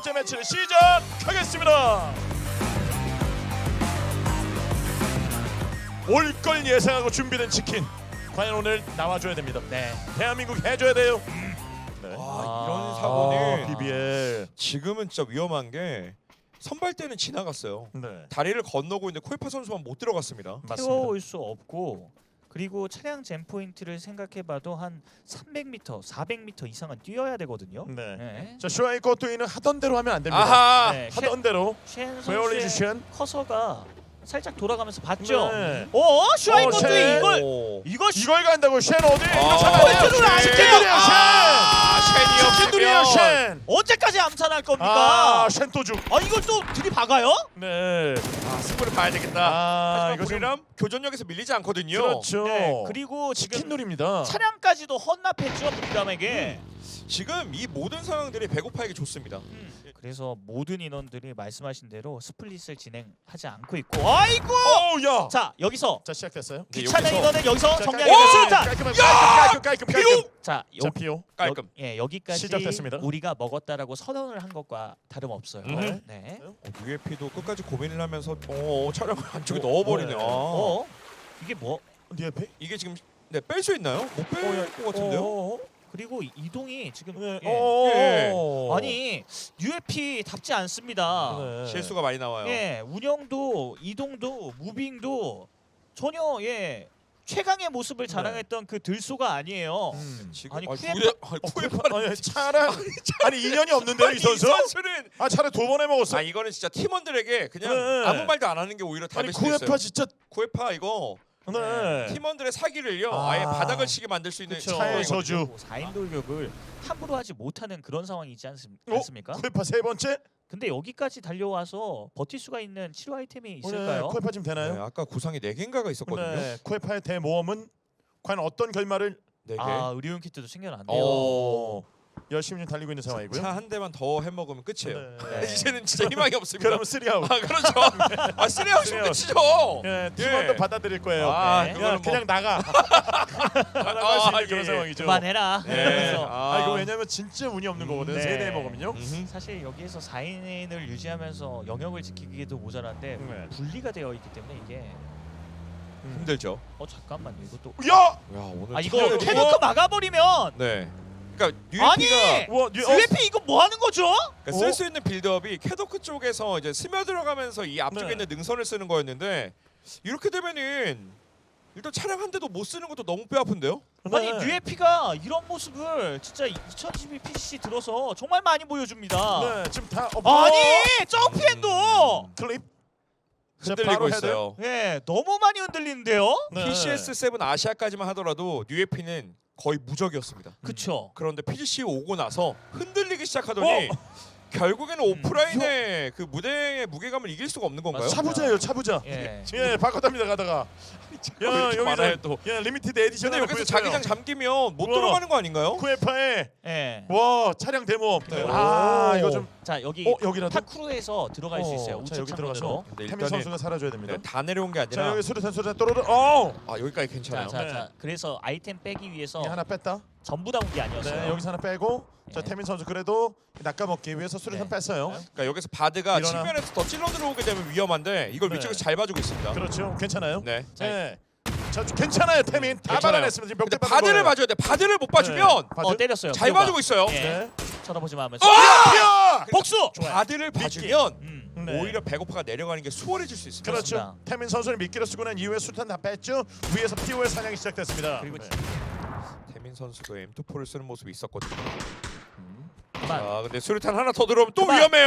번째 매치를 시작하겠습니다. 올 걸 예상하고 준비된 치킨 과연 오늘 나와줘야 됩니다. 네. 대한민국 해줘야 돼요. 네. 이런 사고는 BBL. 지금은 진짜 위험한 게 선발 때는 지나갔어요. 네. 다리를 건너고 있는데 코에파 선수만 못 들어갔습니다. 맞습니다. 태워올 수 없고 그리고 차량 젠 포인트를 생각해봐도 한 300m, 400m 이상은 뛰어야 되거든요. 네. 네. 자 슈아이 코트이는 하던 대로 하면 안 됩니다. 아하. 네. 하던 대로. 쉔 베어리지 선수의 쉔. 커서가 살짝 돌아가면서 봤죠. 네. 슈아이 쉔. 것도 이걸 오. 이걸 간다고 쉔 어디? 이거 아, 잡아야 돼요. 포인트를 안 치킨들이야 쉔이 쉔. 치킨들이야 없으면 쉔. 언제까지 암살할 겁니까? 쉔 또죽. 이걸 또 들이박아요? 네. 승부를 봐야 되겠다. 이거 하지만 좀 우리랑 교전력에서 밀리지 않거든요. 그렇죠. 네. 그리고 치킨 지금 놀입니다. 차량까지도 헌납했죠 부리람에게. 지금 이 모든 상황들이 배고파에게 좋습니다. 그래서 모든 인원들이 말씀하신 대로 스플릿을 진행하지 않고 있고. 아이고! 오야. 자 여기서 자 시작됐어요. 네, 귀찮은 여기서- 인원은 여기서 자, 정리하겠습니다. 수류탄! 깔끔. 자, 자 피오. 깔끔. 여기까지 시작됐습니다. 우리가 먹었다라고 선언을 한 것과 다름없어요. 음. 네. UFP도 끝까지 고민을 하면서 차량을 안쪽에 넣어버리네. 네. 이게 뭐? 네 앞에? 이게 지금 뺄 수 있나요? 못 뺄 것 같은데요? 그리고 이동이 지금 네. 예. 아니 UFP답지 않습니다. 네. 실수가 많이 나와요. 예, 운영도 이동도 무빙도 전혀 최강의 모습을 자랑했던 그 들소가 아니에요. 지금 아니, 쿠에파는 아니 차량 아니 인연이 없는데요 이 선수? 이 선수는 차량 두 번에 먹었어. 이거는 진짜 팀원들에게 그냥 네. 아무 말도 안 하는 게 오히려 아니 답일 수도 있어요. 쿠에파 진짜. 쿠에파 이거 네. 팀원들의 사기를요 아. 아예 바닥을 치게 만들 수 있는 그쵸. 상황이거든요. 저주. 4인 돌격을 함부로 하지 못하는 그런 상황이지 어? 않습니까? 쿠에파 세 번째? 근데 여기까지 달려와서 버틸 수가 있는 치료 아이템이 네. 있을까요? 쿠에파 지금 네, 되나요? 아까 구상이 4개인가가 있었거든요. 네. 쿠에파의 대모험은 과연 어떤 결말을 4개. 의료용 키트도 챙겨놨네요. 열심히 달리고 있는 상황이고요. 차 한 대만 더 해먹으면 끝이에요. 네. 이제는 진짜 희망이 없습니다. 그러면 쓰리아웃. 그렇죠. 쓰리아웃이면 끝이죠. 예, 팀원도 예. 받아들일 거예요. 네. 그냥 나가. 나갈 수 있는 그런 예. 상황이죠. 그만해라. 네. 그래서 이거 왜냐면 진짜 운이 없는 거거든. 네. 세대 먹으면요. 사실 여기에서 4인을 유지하면서 영역을 지키기에도 모자란데 네. 분리가 되어 있기 때문에 이게 힘들죠. 잠깐만요. 이것도 야! 야 오늘 이거 차라리- 캐노크 막아버리면 네. 그러니까 아니! UFP가 와, UFP 이거 뭐 하는 거죠? 쓸 수 있는 빌드업이 캐더크 쪽에서 이제 스며들어가면서 이 앞쪽에 네. 있는 능선을 쓰는 거였는데 이렇게 되면은 일단 차량 한 대도 못 쓰는 것도 너무 뼈 아픈데요? 아니 UFP가 이런 모습을 진짜 2022 PCC 들어서 정말 많이 보여줍니다. 네, 지금 다 아니 점프앤도 클립. 자, 흔들리고 바로 헤드. 있어요. 너무 많이 흔들리는데요. 네. PCS7 아시아까지만 하더라도 UFP는 거의 무적이었습니다. 그쵸. 그런데 PGC 오고 나서 흔들리기 시작하더니 결국에는 오프라인의 그 무대의 무게감을 이길 수가 없는 건가요? 맞습니다. 차부자예요, 차부자. 예. 예, 바꿔답니다 가다가. 왜 이렇게 많아요 또? 리미티드 에디션. 근데 여기서 자기장 잠기면 못 우와. 들어가는 거 아닌가요? 쿠에파에 예. 와 차량 대모험. 네. 이거 좀. 자 여기 여기라도. 타크루에서 들어갈 수 있어요. 자 우측 여기 창문으로. 들어가서 근데 태민 일단은- 선수가 사라져야 됩니다. 네, 다 내려온 게 자 아니라 여기 수류탄 떨어져. 여기까지 괜찮아요. 자. 그래서 아이템 빼기 위해서 하나 뺐다. 전부 다 온 게 아니었어요. 네, 여기서 하나 빼고. 자 네. 태민 선수 그래도 낚아먹기 위해서 수류탄 네. 뺐어요. 그러니까 여기서 바드가 일어나. 측면에서 더 찔러 들어오게 되면 위험한데 이걸 네. 위쪽에서 잘 봐주고 있습니다. 그렇죠. 괜찮아요. 네. 네. 자 괜찮아요 태민. 다 괜찮아요. 받아냈습니다. 지금 근데 벽대 받은 바드를 거예요. 봐줘야 돼. 바드를 못 봐주면 바드? 때렸어요. 잘 피오가. 봐주고 있어요. 예. 네. 쳐다보지 마면서. 피어! 복수. 좋아요. 바드를 봐주면 네. 오히려 배고파가 내려가는 게 수월해질 수 있습니다. 그렇죠. 그렇습니다. 태민 선수를 미끼로 쓰고 난 이후에 수탄 다 뺐죠. 위에서 피오의 사냥이 시작됐습니다. 그리고 네. 태민 선수도 M24를 쓰는 모습이 있었거든요. 그만. 근데 수류탄 하나 더 들어오면 또 그만. 위험해요.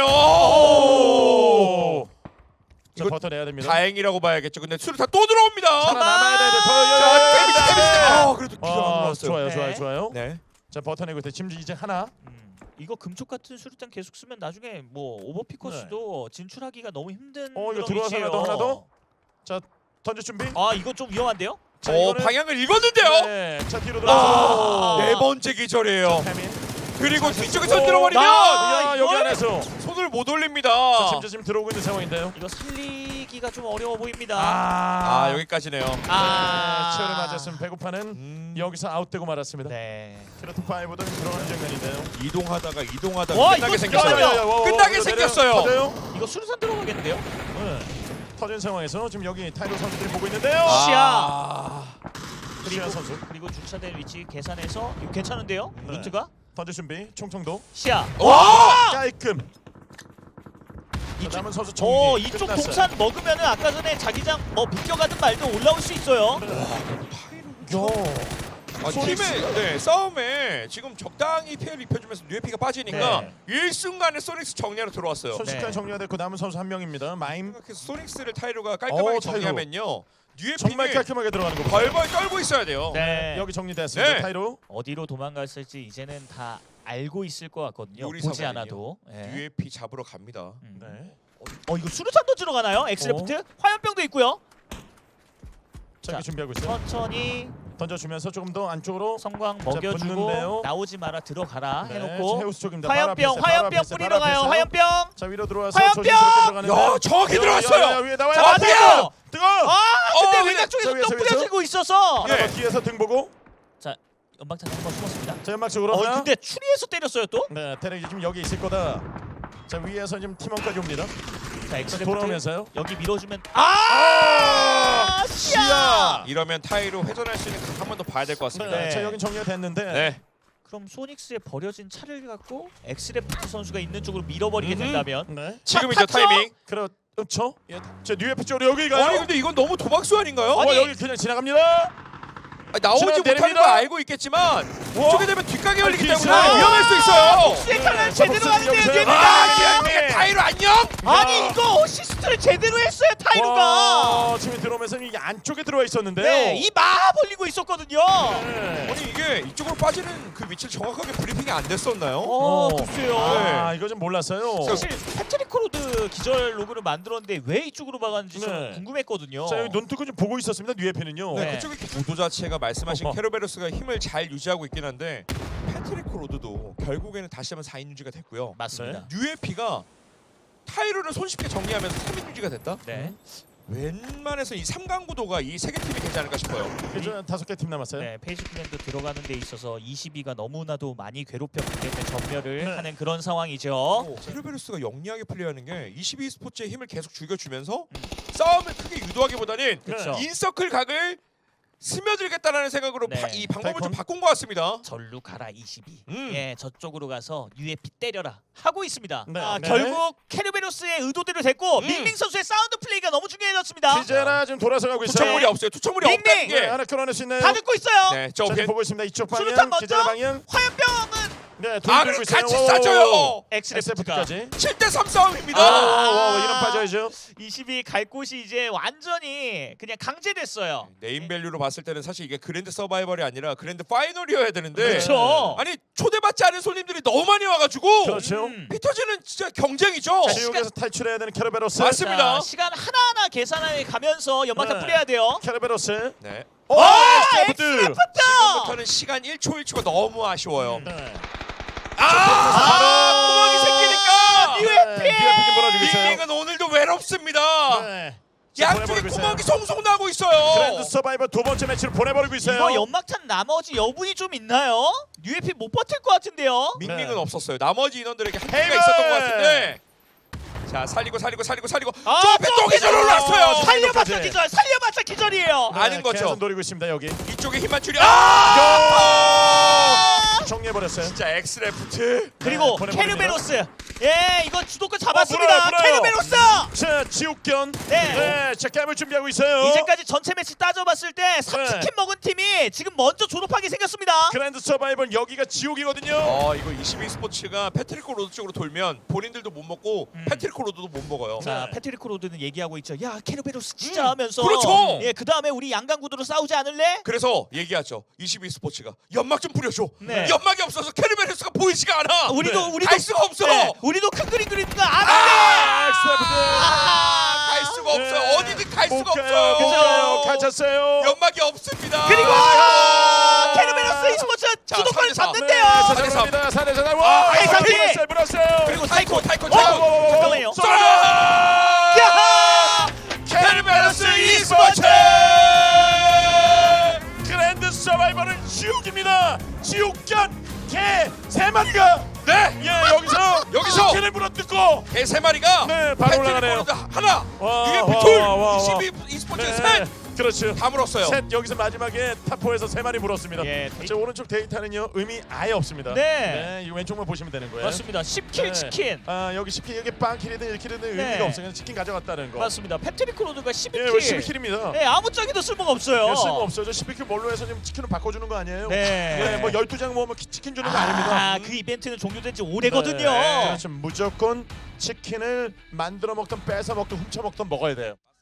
오! 자 이거 버텨내야 됩니다. 다행이라고 봐야겠죠. 근데 수류탄 또 들어옵니다. 살아남아야 돼요. 자, 그래도 기가 안 나왔어요. 좋아요, 네. 좋아요, 좋아요. 네. 자 버텨내고 있어요. 지금 이제 하나. 이거 금촉 같은 수류탄 계속 쓰면 나중에 뭐 오버피커스도 진출하기가 너무 힘든 이거 그런 들어와서 위치예요. 하나 더. 던질 준비. 이거 좀 위험한데요? 자, 이거는- 방향을 읽었는데요. 네. 자 뒤로 돌아서. 네 번째 기절이에요. 태민. 그리고 뒤쪽에서 들어버리면 여기 이걸? 안에서. 손 손을 못 올립니다. 자, 지금 들어오고 있는 상황인데요. 이거 살리기가 좀 어려워 보입니다. 아 여기까지네요. 치열을 맞았으면 배고파는 여기서 아웃되고 말았습니다. 네. 트로트 5도 들어가는 장면인데요. 이동하다가 와, 끝나게 이거 생겼어요. 끝나게 생겼어요. 터져요. 이거 수류탄 들어가겠는데요? 네. 터진 상황에서 지금 여기 타이로 선수들이 보고 있는데요. 시아 선수 그리고 주차된 위치 계산해서 이거 괜찮은데요? 네. 루트가? 던질 준비. 총청도 시야. 와! 깔끔. 이쪽- 남은 선수 정리. 이쪽 끝났어요. 동산 먹으면은 아까 전에 자기장 비껴가든 말든 올라올 수 있어요. 팀의 싸움에 지금 적당히 피해를 입혀주면서 뉴에피가 빠지니까 네. 일순간에 소닉스 정리하러 들어왔어요. 순식간에 네. 정리가 됐고 남은 선수 한 명입니다. 마임 생각해서 소닉스를 타이로가 깔끔하게 타이로. 정리하면요. 정말 뉴에피는 깔끔하게 들어가는 거 보세요. 벌벌 떨고 있어야 돼요. 네. 여기 정리됐습니다. 네. 타이로. 어디로 도망갔을지 이제는 다 알고 있을 것 같거든요. 요리 보지 사관이요. 않아도. 네. 뉴에피 잡으러 갑니다. 네. 이거 수류탄 던지러 가나요? 엑스레프트? 화염병도 있고요. 자, 자, 여기 준비하고 있어요. 천천히 던져주면서 조금 더 안쪽으로. 성광 붙는데요. 먹여주고 나오지 마라 들어가라 네, 해놓고 해우스 쪽입니다. 바로 화염병 앞에 있어요. 바로 앞에 있어요. 뿌리러 바로 앞에 가요. 있어요. 화염병. 자 위로 들어와서 화염병! 조심스럽게 들어가는데. 야, 정확히 들어갔어요. 위에 나와요. 자, 맞아요. 뜨거. 근데 어, 외곽 쪽에서 위에서, 또 위에서. 뿌려지고 있어서. 예. 뒤에서 등 보고. 연막탄 한번 숨었습니다. 자 연막 쪽으로 하나. 근데 추리에서 때렸어요 또. 네, 테렉이 지금 여기 있을 거다. 자 위에서 지금 팀원까지 옵니다. 자 엑스레프트 돌아오면서요. 여기 밀어주면 시야. 이러면 타이로 회전할 수 있는 각 한 번 더 봐야 될 것 같습니다. 네. 네. 자 여긴 정리가 됐는데. 네. 그럼 소닉스에 버려진 차를 갖고 엑스레프트 선수가 있는 쪽으로 밀어버리게 된다면 네. 지금이죠 탔죠? 타이밍. 그렇죠. 예. 자 뉴에피 쪽으로 여기 가요. 아니 근데 이건 너무 도박수 아닌가요? 아니, 여기 그냥 지나갑니다. 나오지 지금 못하는 내립니다. 거 알고 있겠지만 이쪽에 되면 뒷가게 열리기 뒤에 때문에 있어요. 위험할 수 있어요. 수의 칼날 자, 제대로 복수는 하는데요 여기서. 뒤에가. 기아미가 타이로 안녕. 아니 이거 어시스트를 제대로 했어요 타이루가. 와, 지금 들어오면서 이 안쪽에 들어와 있었는데요. 네, 이 마하 벌리고 있었거든요. 네. 아니 이게 이쪽으로 빠지는 그 위치를 정확하게 브리핑이 안 됐었나요? 글쎄요. 아 이거 좀 몰랐어요. 사실 패트릭 코로드 기절 로그를 만들었는데 왜 이쪽으로 박았는지 좀 네. 궁금했거든요. 자 여기 눈 뜨고 좀 보고 있었습니다. 뉴에피는요. 네. 그쪽의 구도 자체가 말씀하신 어허. 케로베로스가 힘을 잘 유지하고 있긴 한데 패트릭 로드도 결국에는 다시 한번 4인 유지가 됐고요. 맞습니다. 뉴에피가 타이로를 손쉽게 정리하면서 3인 유지가 됐다? 네. 웬만해서 이 3강 구도가 이 세 개 팀이 되지 않을까 싶어요. 이제 5개 팀 남았어요. 네, 페이지 플랜도 들어가는 데 있어서 22가 너무나도 많이 괴롭혔기 때문에 전멸을 네. 하는 그런 상황이죠. 케로베로스가 영리하게 플레이하는 게 22 스포츠의 힘을 계속 죽여주면서 싸움을 크게 유도하기보다는 그렇죠. 인서클 각을 스며들겠다라는 생각으로 네. 이 방법을 좀 달콤. 바꾼 것 같습니다. 절루 가라 22. 음. 예, 저쪽으로 가서 UFP 때려라 하고 있습니다. 네. 네. 결국 케르베로스의 의도대로 됐고 밍밍 선수의 사운드 플레이가 너무 중요해졌습니다. 기제라 지금 돌아서 가고 있어요. 투척물이 없어요. 투척물이 밍밍! 없다는 네, 게. 하나 끌어낼 수 있나요? 다 듣고 있어요. 네, 자, 저 지금 보고 있습니다. 이쪽 수류탄 방향, 먼저. 기제라 방향. 화염병은 네, 돈 아, 들고 그럼 있어요. 같이 오. 싸줘요. 엑스레프트가 SF까지. 7대3 싸움입니다. 이런 빠져야죠. 22 갈 곳이 이제 완전히 그냥 강제됐어요. 네임 밸류로 봤을 때는 사실 이게 그랜드 서바이벌이 아니라 그랜드 파이널이어야 되는데 그렇죠. 아니 초대받지 않은 손님들이 너무 많이 와가지고 그렇죠. 피터즈는 진짜 경쟁이죠. 지옥에서 탈출해야 되는 캐러베로스. 맞습니다. 자, 시간 하나하나 계산해 가면서 연막탄 네. 뿌려야 돼요. 캐러베로스. 네. 오, 엑스레프트. 지금부터는 시간 1초 1초가 너무 아쉬워요. 네. 구멍이 생기니까 UFP! 좀 몰아주고 있어요. 밍밍은 오늘도 외롭습니다. 네. 양쪽에 구멍이 송송 나고 그랜드 있어요. 서바이벌 두 번째 매치를 보내버리고 있어요. 이거 연막탄 나머지 여분이 좀 있나요? UFP 못 버틸 것 같은데요. 밍밍은 네. 없었어요. 나머지 인원들에게 한계가 헤이븐! 있었던 것 같은데. 자 살리고. 저 앞에 또 또 기절 올랐어요. 살려봤자 기절, 살려봤자 기절이에요. 아닌 거죠. 계속 노리고 있습니다 여기. 이쪽에 힘만 줄여. 정리해버렸어요. 진짜 엑스레프트. 그리고 보내버립니다. 케르베로스. 예, 이거 주도권 잡았습니다. 물어요. 케르베로스. 자 지옥견. 네. 자 게임을 준비하고 있어요. 이제까지 전체 매치 따져봤을 때 3치킨 먹은 팀이 지금 먼저 졸업하게 생겼습니다. 그랜드 서바이벌 여기가 지옥이거든요. 이거 22 스포츠가 패트리코 로드 쪽으로 돌면 본인들도 못 먹고 패트리코 로드도 못 먹어요. 자, 네. 패트릭 로드는 얘기하고 있죠. 야, 케르베로스 진짜 하면서. 그렇죠. 예, 그다음에 우리 양강 구도로 싸우지 않을래? 그래서 얘기하죠. 22 스포츠가 연막 좀 뿌려줘. 네. 연막이 없어서 캐르베르스가 보이지가 않아. 우리도 갈 수가 없어. 네, 우리도 큰 그림 그리는 거 아는데. 엑스레프트. 갈 수가 없어요. 네. 어디든 갈 못 수가 가요. 없어요. 갇혔어요. 연막이 없습니다. 그리고 케르베로스 e스포츠 자, 주도권을 4대4. 잡는데요. 자, 잡습니다. 4대4. 와, 아이카키! 물었어요. 그리고 타이코 잠깐만요. 야! 케르베르스 e스포츠! 그랜드 서바이벌은 지옥입니다. 지옥견 개 3마리가 네! 여기서! 개를 물어뜯고 개 3마리가 네, 바로 올라가네요. 하나, 와, UMP 와, 둘, 와, 와. 22 e스포츠 네, 셋! 그렇죠. 다 물었어요. 셋 여기서 마지막에 탑4에서 3마리 물었습니다. 예, 저 오른쪽 데이터는요 의미 아예 없습니다. 네. 이 왼쪽만 보시면 되는 거예요. 맞습니다. 10킬 네. 치킨. 아 여기 10킬 여기 빵킬이든 1킬이든 네. 의미가 없어요. 그냥 치킨 가져갔다는 거. 맞습니다. 패트릭 크로드가 예, 12킬. 12킬입니다. 네, 아무짝에도 쓸모가 없어요. 쓸모 없어요. 저 12킬 뭘로 해서 지금 치킨을 바꿔주는 거 아니에요? 네. 예, 뭐 12장 모으면 치킨 주는 거 아닙니다. 그 이벤트는 종료된 지 오래거든요. 네, 그렇죠. 무조건 치킨을 만들어 먹던 뺏어 먹던 훔쳐 먹던 먹어야 돼요.